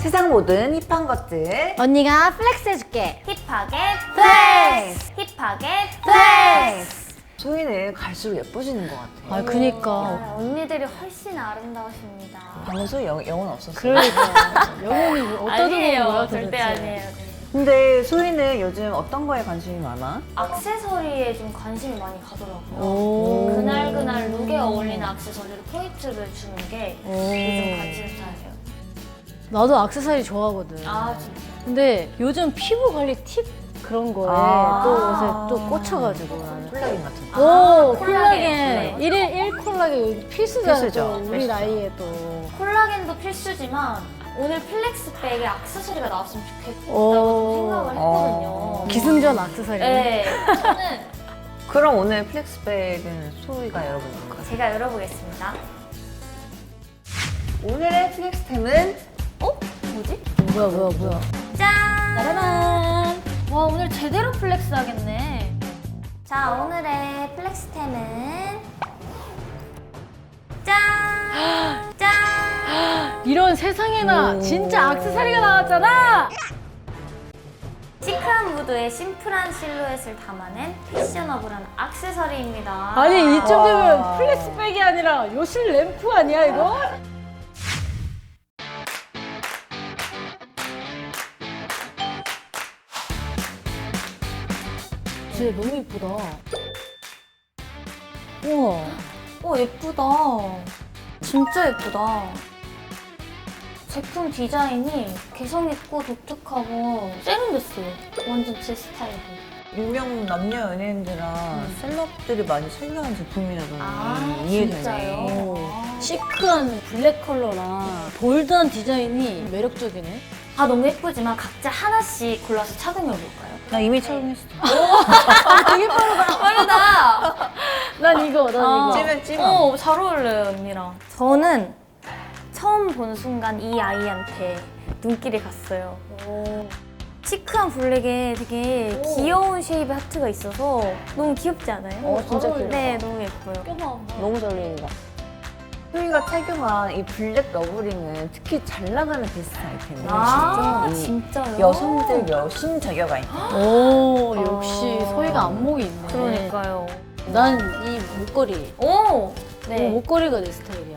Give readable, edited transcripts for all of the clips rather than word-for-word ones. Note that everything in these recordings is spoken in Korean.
세상 모든 힙한 것들 언니가 플렉스 해줄게. 힙하게 플렉스! 힙하게 플렉스! 소희는 갈수록 예뻐지는 것 같아. 아, 그니까. 언니들이 훨씬 아름다우십니다. 방금 소희 영혼 없었어. 그러니까. 영혼이 어디다 두는 아니에요. 거야, 절대 도대체? 아니에요. 네. 근데 소희는 요즘 어떤 거에 관심이 많아? 액세서리에 좀 관심이 많이 가더라고요. 오. 그날 룩에 어울리는 액세서리로 포인트를 주는 게 요즘 관심사예요. 나도 액세서리 좋아하거든. 아 진짜. 근데 요즘 피부 관리 팁 그런 거에 아. 또 요새 또 꽂혀가지고 나는. 콜라겐 같은 거. 오, 콜라겐. 콜라겐. 1일 1 콜라겐 필수잖아. 필수죠. 또 우리 필수죠. 나이에 또. 콜라겐도 필수지만 오늘 플렉스백에 액세서리가 나왔으면 좋겠다고 오. 생각을 했거든요. 기승전 액세서리. 네, 저는 그럼 오늘 플렉스백은 소희가 열어볼 거야. 제가 열어보겠습니다. 오늘의 플렉스템은 뭐지? 뭐야. 짠! 짜라란. 와 오늘 제대로 플렉스 하겠네. 자 오늘의 플렉스템은 짠! 짠! 이런 세상에나 진짜 액세서리가 나왔잖아. 시크한 무드에 심플한 실루엣을 담아낸 패셔너블한 액세서리입니다. 아니 이쯤 되면 플렉스백이 아니라 요실 램프 아니야 이거? 진짜 너무 이쁘다. 우와. 예쁘다. 진짜 예쁘다. 제품 디자인이 개성있고 독특하고 세련됐어요. 완전 제 스타일이. 유명 남녀 연예인들이랑 셀럽들이 많이 착용한 제품이라더니 이해되네. 진짜요? 시크한 블랙 컬러랑 볼드한 디자인이 매력적이네. 아 너무 예쁘지만 각자 하나씩 골라서 착용해볼까요? 나 이미 착용했어. 되게 빠르다. 빠르다! 난 이거. 찜은 잘 어울려요 언니랑. 저는 처음 본 순간 이 아이한테 눈길이 갔어요. 시크한 블랙에 되게 귀여운 쉐입의 하트가 있어서 너무 귀엽지 않아요? 진짜 귀엽다. 네, 너무 예뻐요. 너무 잘 어울린다. 소희가 착용한 이 블랙 러브링은 특히 잘 나가는 베스트 아이템이에요. 아, 이 진짜요? 여성들 여신 저격 아이템. 오, 역시 소희가 안목이 있네. 그러니까요. 난 이 목걸이. 오! 네. 목걸이가 내 스타일이야.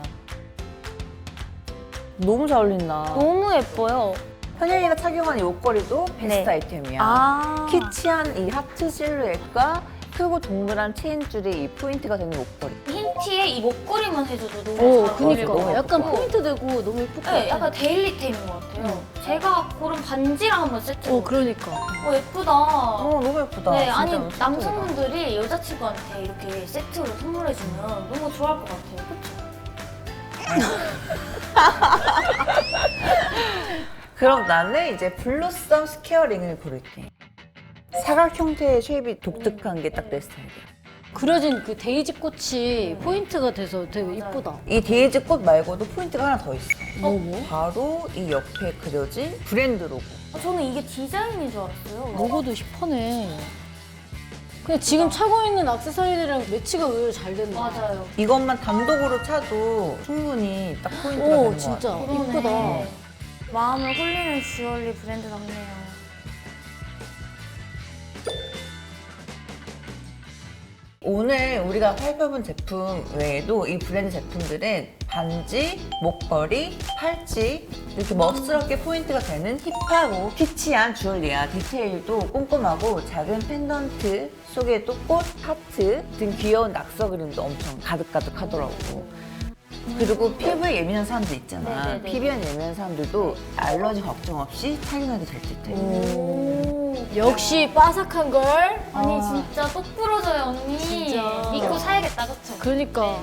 너무 잘 어울린다. 너무 예뻐요. 현영이가 착용한 이 옷걸이도 베스트 네. 아이템이야. 아. 키치한 이 하트 실루엣과 크고 동그란 체인줄이 이 포인트가 되는 옷걸이. 흰 티에 이 목걸이만 해줘도 너무 오, 잘 그니까. 어울리고. 약간 포인트 되고 너무 예쁠 것 네, 같아. 약간 데일리템인 것 같아요. 제가 고른 반지랑 한번 세트. 그러니까. 예쁘다. 너무 예쁘다. 네, 진짜 아니 너무 남성분들이 여자친구한테 이렇게 세트로 선물해주면 너무 좋아할 것 같아요. 그쵸? 그럼 나는 이제 블루썸 스퀘어링을 고를게. 사각 형태의 쉐입이 독특한 게 딱 내 스타일이야. 그려진 그 데이지 꽃이 포인트가 돼서 되게 이쁘다. 이 데이지 꽃 말고도 포인트가 하나 더 있어. 뭐? 바로 이 옆에 그려진 브랜드 로고. 저는 이게 디자인인 줄 알았어요. 로고도 힙하네. 근데 지금 차고 있는 액세서리들이랑 매치가 의외로 잘 됐네. 맞아요. 이것만 단독으로 차도 충분히 딱 포인트가 되는 오, 것 같아. 진짜 그러네. 이쁘다. 마음을 홀리는 주얼리 브랜드답네요. 오늘 우리가 살펴본 제품 외에도 이 브랜드 제품들은 반지, 목걸이, 팔찌 이렇게 멋스럽게 포인트가 되는 힙하고 키치한 주얼리야. 디테일도 꼼꼼하고 작은 펜던트 속에 또 꽃, 하트 등 귀여운 낙서 그림도 엄청 가득가득하더라고. 그리고 피부에 예민한 사람들 있잖아. 네네네. 피부에 예민한 사람들도 알러지 걱정 없이 착용해도 될 듯해. 역시 바삭한 걸. 아니 진짜 똑 부러져요 언니. 진짜. 믿고 사야겠다 그쵸? 그러니까.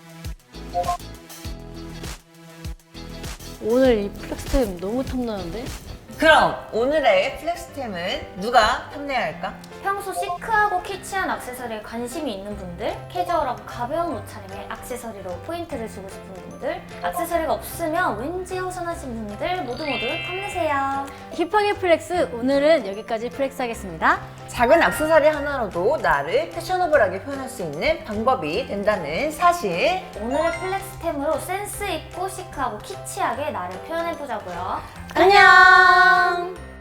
오늘 이 플렉스템 너무 탐나는데? 그럼 오늘의 플렉스템은 누가 탐내야 할까? 평소 시크하고 키치한 액세서리에 관심이 있는 분들, 캐주얼하고 가벼운 옷차림에 액세서리로 포인트를 주고 싶은 분들, 액세서리가 없으면 왠지 허전하신 분들 모두 탐내세요. 힙하게 플렉스 오늘은 여기까지 플렉스 하겠습니다. 작은 액세서리 하나로도 나를 패셔너블하게 표현할 수 있는 방법이 된다는 사실. 오늘의 플렉스템으로 센스 있고 시크하고 키치하게 나를 표현해보자고요. 안녕.